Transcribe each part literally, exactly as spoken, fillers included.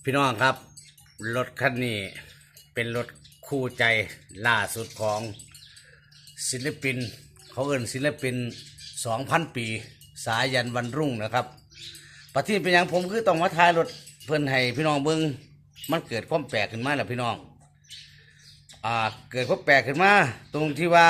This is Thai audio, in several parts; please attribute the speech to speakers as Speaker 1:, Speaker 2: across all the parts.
Speaker 1: พี่น้องครับรถคันนี้เป็นรถคู่ใจล่าสุดของศิลปินเขาเอิ้นศิลปินสองพันปีสายันวันรุ่งนะครับประเทศเป็นอย่างผมคือต้องมาถ่ายรถเพื่อนให้พี่น้องเบิ้งมันเกิดความแปลกขึ้นมาแล้วพี่น้องอ่าเกิดความแปลกขึ้นมาตรงที่ว่า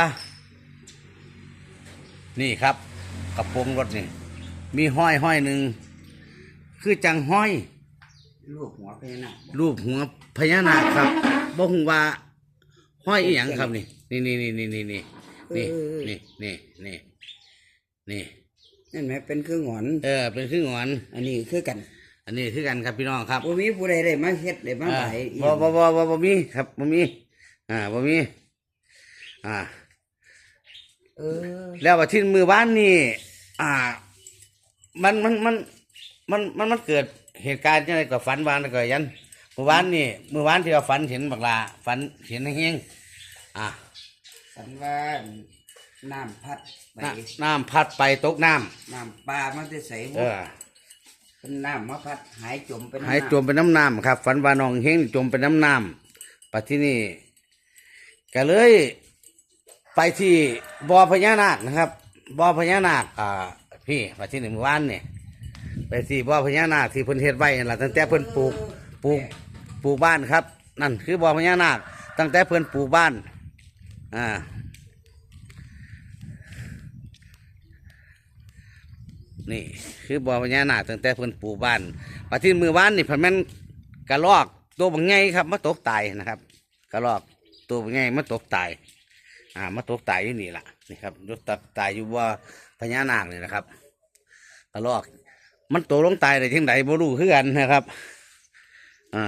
Speaker 1: นี่ครับกระโปรงรถนี่มีห้อยห้อยหนึ่งคือจังห้อย
Speaker 2: รูปหัวพญานาค
Speaker 1: รูปหัวพญานาคครับบ่ฮู้ว่าห้อยอีหยังครับนี่นี่นี่นี่นี่นี่นี่นี่นี่นี่นี่นี่
Speaker 2: นั่นไหมเป็นเครื่องหงอน
Speaker 1: เออเป็นคือหงอน
Speaker 2: อันนี้คือกัน
Speaker 1: อันนี้คือกันครับพี่น้องครับ
Speaker 2: บ่มีผู้ใดได้มาเฮ็ดได้มาไห
Speaker 1: บ่บ่บ่บ่บ่มีครับบ่มีอ่าบ่มีอ่า
Speaker 2: เออ
Speaker 1: แล้วว่าที่มือบ้านนี่อ่ามันมันมันมันมันมันเกิดเหตุการณ์อะไรกับฝันวานก็ยันเมื่อวานนี่เมื่อวานที่เราฝันเห็นบักลาฝันเห็นเฮงอ่า
Speaker 2: ฝันว่าน้ำพัดไป
Speaker 1: น้ำพัดไปตกน้
Speaker 2: ำน้ำปลามันจะใสหมดเป็นน้ำมาพัดหายจมเป็น
Speaker 1: หายจมเป็นน้ำน้ำครับฝันว่าน้องเฮงจมเป็นน้ำน้ำปัจจุบันนี้ก็เลยไปที่บ่อพญานาคนะครับบ่อพญานาคอ่าพี่ปัจจุบันเมื่อวานนี่ไปที่บ่อพญานาคที่เพิ่นเฮ็ดไว้นั่นล่ะตั้งแต่เพิ่นปลูกปลูกปลูกบ้านครับนั่นคือบ่อพญานาคตั้งแต่เพิ่นปลูกบ้านอ่านี่คือบ่อพญานาคตั้งแต่เพิ่นปลูกบ้านปัจจุบันมือบ้านนี่เพิ่นแม่นกระรอกตัวบางไงครับมาตกตายนะครับกระรอกตัวบางไงมาตกตายอ่ามาตกตายอยู่นี่ล่ะนี่ครับยกตกตายอยู่บ่อพญานาคนี่นะครับกระรอกมันโตลงตายได้ที่ไหนบ่รู้คือกันนะครับอ่า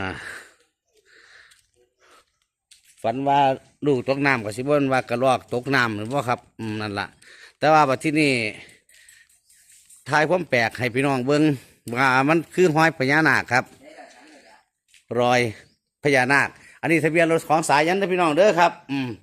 Speaker 1: ฝันว่าลูกตกน้ำกับสิบวันว่ากระรอกตกน้ำหรือว่าครับอืมนั่นแหละแต่ว่าบัดที่นี่ทายความแปลกให้พี่น้องเบิ้งว่ามันคือห้อยพญานาคครับรอยพญานาคอันนี้ทะเบียนรถของสายันนะพี่น้องเด้อครับอืม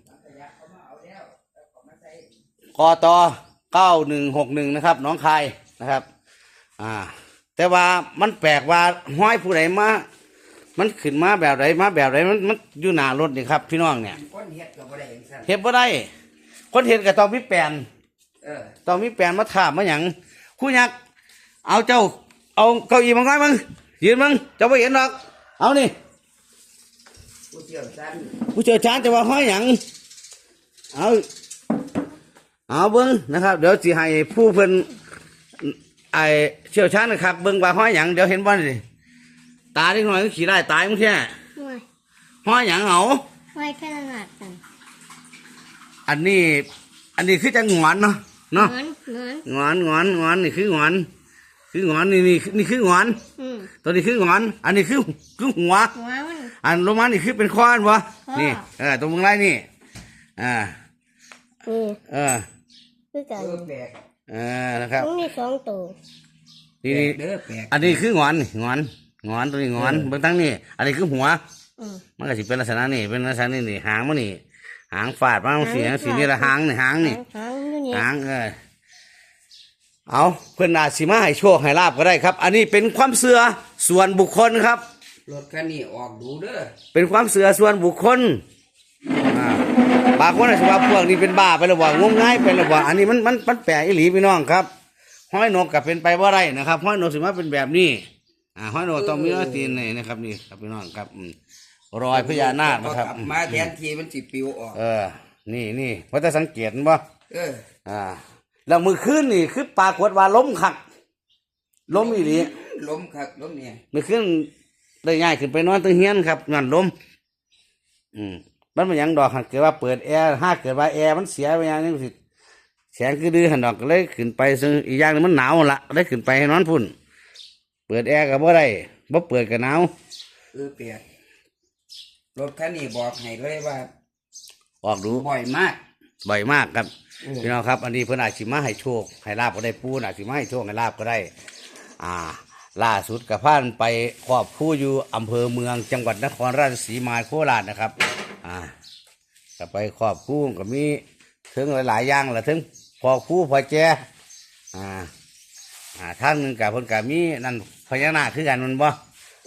Speaker 1: กตเก้าหนึ่งหกหนึ่งนะครับน้องคายนะครับอ่าแต่ว่ามันแปลกว่าห้อยผู้ใดมามันขึ้นมาแบบไหนมาแบบไหนมันมันอยู่หน้ารถนี่ครับพี่น้องเนี่ย
Speaker 2: คนเฮ็ดก็บ่ได้เห็นซั่น
Speaker 1: เฮ็ดบ่ได้คนเฮ็ดก็ต้องมีแปลน
Speaker 2: เออ
Speaker 1: ต้องมีแปลนมาถามมาหยังคู่ยักษ์เอาเจ้าเอาเก้าอี้มาง่อยมึงยืนมึงเจ้าบ่เห็นหรอกเอานี่
Speaker 2: ผู้เชี่ยวชาญ
Speaker 1: ผู้เชี่ยวชาญจะว่าห้อยหยังเอาเอาเบิ่งนะครับเดี๋ยวสิให้ผู้เพิ่นไอเชี่ยวชาญนะครับเบิ่งว่าห้อยหยังเดี๋ยวเห็นบ่นี่ตาเล็กน้อยก็ขี่ได้ตายมึงแค่ห้อยหยังเอา
Speaker 3: ห้อยขนาดกัน
Speaker 1: อันนี้อันนี้คือจะงอนเนาะเนาะงอนงอนงอนนี่คืองอนคืองอนนี่นี่นี่คืองอนตัวนี้คืองอนอันนี้คือคือหัวอันลงมานี่คือเป็นค้อนวะนี่เออตรงมึงไรนี่อ่าเออ
Speaker 3: คือกัน
Speaker 1: เออนะครับ
Speaker 3: นี่สองตัว
Speaker 1: นี่นี่อันนี้คืองอนงอนงอนตัวนี้งอนเบื้องตั้งนี่อันนี้คือหัวมันก็สิเป็นลักษณะนี่เป็นลักษณะนี่นี่หางมันนี่หางฟาดมาสีสีนี่ละหางนี่หางนี่หางเออเอาเพื่อนอาจสิมาให้โชคให้ลาบก็ได้ครับอันนี้เป็นความเชื่อส่วนบุคคลครับ
Speaker 2: รถคันนี้ออกดูเด้อ
Speaker 1: เป็นความเชื่อส่วนบุคคลอ่าบางคนอาจจะว่าพวกนี้เป็นบ้าไปหรือว่างมง่ายไปหรือว่าอันนี้มันมันมันแปลกอีหลีพี่น้องครับห้อยนกกับเป็นไปว่าไรนะครับห้อยนกสิมาเป็นแบบนี้อ่าห้อยนกต้องมีตีนนี่นะครับนี่ครับพี่น้องครับรอยพญานาคนะครับ
Speaker 2: มาแทนทีมันสิปิวออก
Speaker 1: เออนี่นี่เพราะจะสังเกตบ่
Speaker 2: เออ
Speaker 1: อ่าแล้วมือขึ้นนี่คือปรากฏว่าล้มขักล้มอีหลี
Speaker 2: ล้มขักล้มเนี่ย
Speaker 1: มือขึ้นได้ง่ายขึ้นไปนอนตั้งเฮียนครับนั่นล้มอืมมันเป็นอย่างดอกหันเกิดว่าเปิดแอร์ห้าเกิดว่าแอร์มันเสียไปอย่างนี้สิแสงคือดื้อหันดอกเลยขึ้นไปซึ่งอีกอย่างนึงมันหนาวละเลยขึ้นไปให้นอนพุ่นเปิดแอร์กับบ่ได้บ่เปิดกับหนาว
Speaker 2: เออเปียกรถคันนี้บอกให้เลยว่า
Speaker 1: ออกดู
Speaker 2: บ่อยมาก
Speaker 1: บ่อยมากครับพี่น้องครับอันนี้เพื่อนอาชิมาให้โชคให้ลาบก็ได้ปูนอาชิมาให้โชคให้ลาบก็ได้อ่าล่าสุดกับพานไปครอบผู้อยู่อำเภอเมืองจังหวัดนครราชสีมาโคราชนะครับอ่าก็ไปครอบผู้ก็มีถึงหลายๆอย่างแหละถึงพอผู้พอแจอ่าอ่าท่านหนึ่งกับเพิ่นกับมีนั่นพญานาคคือกันมันบ่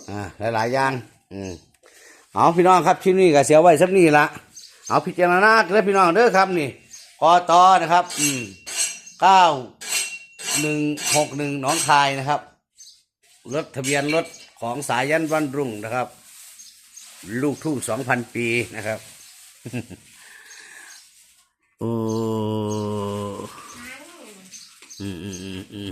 Speaker 1: อ่าหลายๆอย่างอืมเอาพี่น้องครับชิ้นนี้ก็เสียไว้สักนี้ละเอาพิจารณาเด้อพี่น้องเด้อครับนี่กตนะครับอืมเก้าหนึ่งหกหนึ่งหนองคายนะครับรถทะเบียนรถของสายันวันรุ่งนะครับ ลูกทุ่งสองพันปีนะครับ โอ้อืมอืมอืมอืม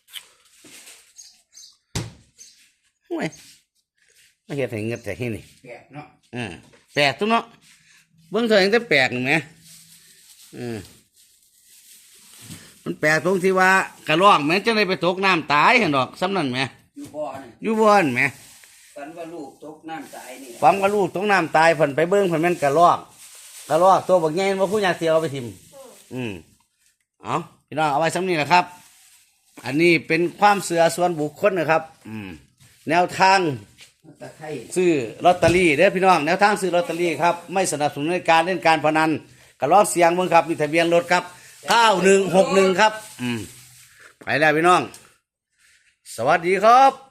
Speaker 1: ห่วยไม่เห็นให้เงินแต่ที่นี่
Speaker 2: แปลกเนาะ
Speaker 1: อ่าแปลกตัวเนาะเบิ่งเธอเองแต่แปลกหนึ่งไหมอืมมันแปลกตรงที่ว่ากระรอกแม้จะได้ไปตกน้ำตายเห็นดอกซ้ำนั่นไหม
Speaker 2: อยู่บ่อนี่
Speaker 1: อยู่บนไหม
Speaker 2: ฝันว่าลูกตกน้ำตายนี่
Speaker 1: ฟังว่าลูกตกน้ำตายเพิ่นไปเบิ่งเพิ่นแม่นกระรอกกระรอกตัวบักใหญ่ว่าผู้ยาเสียเอาไปทิมอืมเอาพี่น้องเอาไว้ซ้ำนี้นะครับ อันนี้เป็นความเสื่อส่วนบุคคลนะครับ อืมแนวทาง
Speaker 2: ตะไคร้
Speaker 1: ซื้อลอตเตอรี่เด้อพี่น้องแนวทางซื้อลอตเตอรี่ครับไม่สนับสนุนในการเล่นการพนันกระลอกเสียงเบิ่งครับมีทะเบียนรถครับเก้าหนึ่งหกหนึ่งครับ อืมไปแล้วพี่น้อง สวัสดีครับ